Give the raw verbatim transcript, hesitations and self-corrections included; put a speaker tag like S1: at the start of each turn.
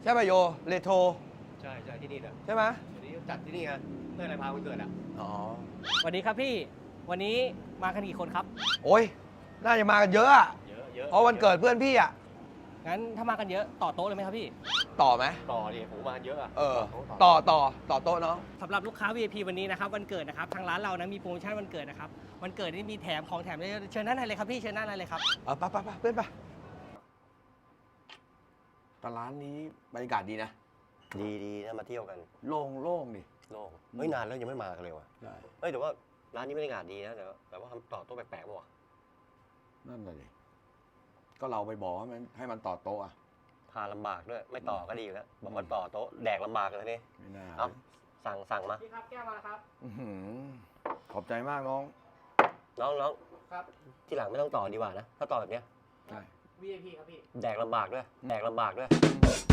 S1: ใช่ป่ะโยเรโทร
S2: ใช่ใช่ที่นี่แหละ
S1: ใช่ไหม
S2: วันนี้จัดที่นี่ไงเพื่อนอะไรพาวันเกิดอ่ะ
S1: อ๋อ
S3: สวัสดีครับพี่ วันนี้มากันกี่คนครับ
S1: โอ้ยน่าจะมากันเยอะอะ
S2: เยอะเยอะ
S1: เพราะวันเกิดเพื่อนพี่อะ
S3: งั้นถ้ามากันเยอะต่อโต๊ะเลยไหมครับพี่
S1: ต่อไหม
S2: ต่อดิผมมาเยอะอ่ะ
S1: เออ
S2: ต่
S1: ต่
S2: อ
S1: อต่อต่อโต๊ะเนาะ
S3: สำหรับลูกค้า วี ไอ พี วันนี้นะครับวันเกิดนะครับทางร้านเรานะมีโปรโมชั่นวันเกิดนะครับวันเกิดนี่มีแถมของแถมเยอะเชิญด้านในเลยครับพี่เชิญด้านในเลยครับ
S1: เออไปไปไปเพื่อนไปแต่ร้านนี้บรรยากาศดีนะ
S2: ดีดีนะมาเที่ยวกัน
S1: โล่งโล่งดิ
S2: โล่งเฮ้ยนานแล้วยังไม่มากันเลยว่ะ
S1: ใช่
S2: เฮ้ยแต่ว่าร้านนี้บรรยากาศดีนะแต่ว่าแต่ว่าทำต่อโต๊ะแปลกๆป่ะวะ
S1: นั่นแหละดิก็เราไปบอกว่ามันให้มันต่อโต๊ะอะ
S2: พาลำบากด้วยไม่ต่อก็ดีอยู่แล้วบอกว่าต่อโต๊ะแดกลำบากเลยนี่
S1: ไม่น่า
S2: เอาสั่งสั่งมา
S3: พี่ครับแก้วมาแล้วครับ
S1: อื้อหือขอบใจมากน้อง
S2: น้องน้อง
S3: ครับ
S2: ที่หลังไม่ต้องต่อดีกว่านะถ้าต่อแบบเนี้ย
S1: ใช่
S3: วี ไอ พี ครับพี่
S2: แดกลำบากด้วยแดกลำบากด้วย
S1: อืม